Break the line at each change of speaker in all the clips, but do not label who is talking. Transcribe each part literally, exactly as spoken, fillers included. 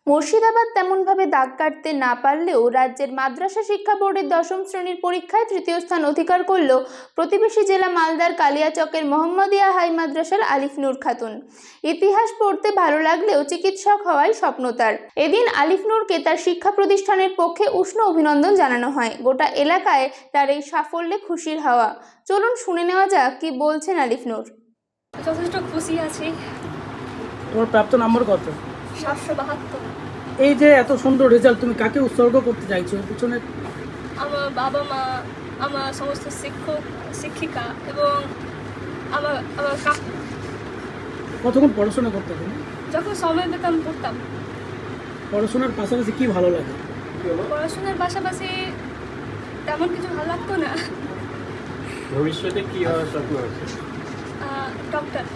মুর্শিদাবাদ তেমনভাবে দাগ কাটতে না পারলেও রাজ্যের মাদ্রাসা শিক্ষা বোর্ডের দশম শ্রেণীর পরীক্ষায় তৃতীয় স্থান অধিকার করল প্রতিবেশী জেলা মালদার কালিয়াচকের মোহাম্মদিয়া হাই মাদ্রাসার আলিফ নূর খাতুন। ইতিহাস পড়তে ভালো লাগলেও চিকিৎসক হওয়াই স্বপ্ন তার। এদিন আলিফ নূরকে তার শিক্ষা প্রতিষ্ঠানের পক্ষে উষ্ণ অভিনন্দন জানানো হয়। গোটা এলাকায় তার এই সাফল্যে খুশির হাওয়া। চলুন শুনে নেওয়া যাক কি বলছেন আলিফ নূর।
যথেষ্ট খুশি আছি।
তোমার প্রাপ্ত নম্বর কত?
সাতশো বাহাত্তর।
এই যে এত সুন্দর রেজাল্ট, তুমি কাকে উৎসর্গ করতে চাইছো এর পিছনে?
আমার বাবা মা, আমার সমস্ত শিক্ষক শিক্ষিকা এবং আমার আমার কাকু।
কতক্ষণ পড়াশোনা করতে তুমি?
যখন সময় পেতাম পড়তাম।
পড়াশোনার পাশাপাশি কি ভালো লাগে?
পড়াশোনার পাশাপাশি তেমন কিছু ভালো লাগতো না।
ভবিষ্যতে কি হওয়ার স্বপ্ন আছে?
ডক্টর।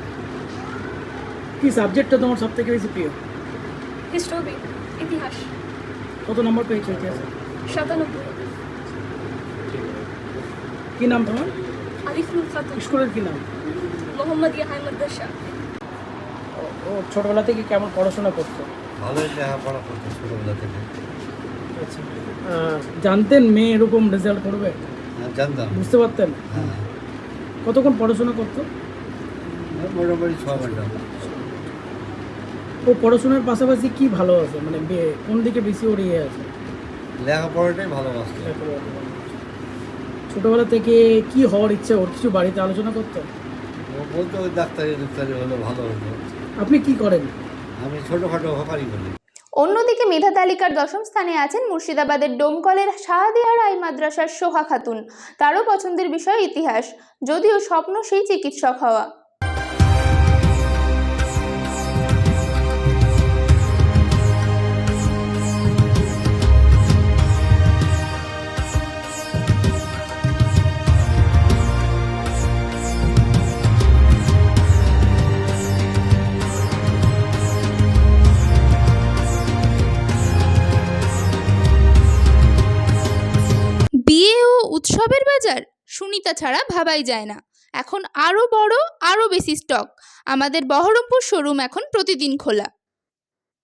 কি সাবজেক্টটা তোমার সব থেকে বেশি প্রিয়?
হিস্ট্রি, ইতিহাস।
কত নম্বর পেয়েছো ইতিহাসে?
সাতানব্বই।
কি নাম তোমার?
আলিফ নূর খাতুন।
স্কুলের কি নাম?
মোহাম্মদিয়া হাই মাদ্রাসা।
ও ছোটবেলা থেকে কেমন পড়াশোনা করতো?
ভালোই লেখাপড়া করতো ছোটবেলা থেকে।
আচ্ছা, জানতেন মেয়ে এরকম রেজাল্ট করবে?
হ্যাঁ, জানতাম।
বুঝতে পারতেন?
হ্যাঁ,
কতক্ষণ পড়াশোনা করতো?
মোটামুটি ছ ঘন্টা।
ও পড়াশোনার পাশাপাশি কি ভালো আছে, মানে বে- কোন দিকে বেশি ওর ইয়ে আছে?
লেখাপড়াটাই ভালোবাসতো।
ছোটবেলা থেকে কি হওয়ার ইচ্ছা ওর, কিছু বাড়িতে আলোচনা করতো?
ও বলতো ওই ডাক্তারি ডাক্তারি হলে ভালো হতো।
আপনি কি করেন?
আমি ছোটোখাটো হকারি করি।
অন্যদিকে মেধা তালিকার দশম স্থানে আছেন মুর্শিদাবাদের ডোমকলের শাহাদিয়া রাই মাদ্রাসার সোহা খাতুন। তারও পছন্দের বিষয় ইতিহাস, যদিও স্বপ্ন সেই চিকিৎসক হওয়া। বিয়ে ও উৎসবের বাজার সুনিতা ছাড়া ভাবাই যায় না। এখন আরও বড়, আরও বেশি স্টক। আমাদের বহরমপুর শোরুম এখন প্রতিদিন খোলা।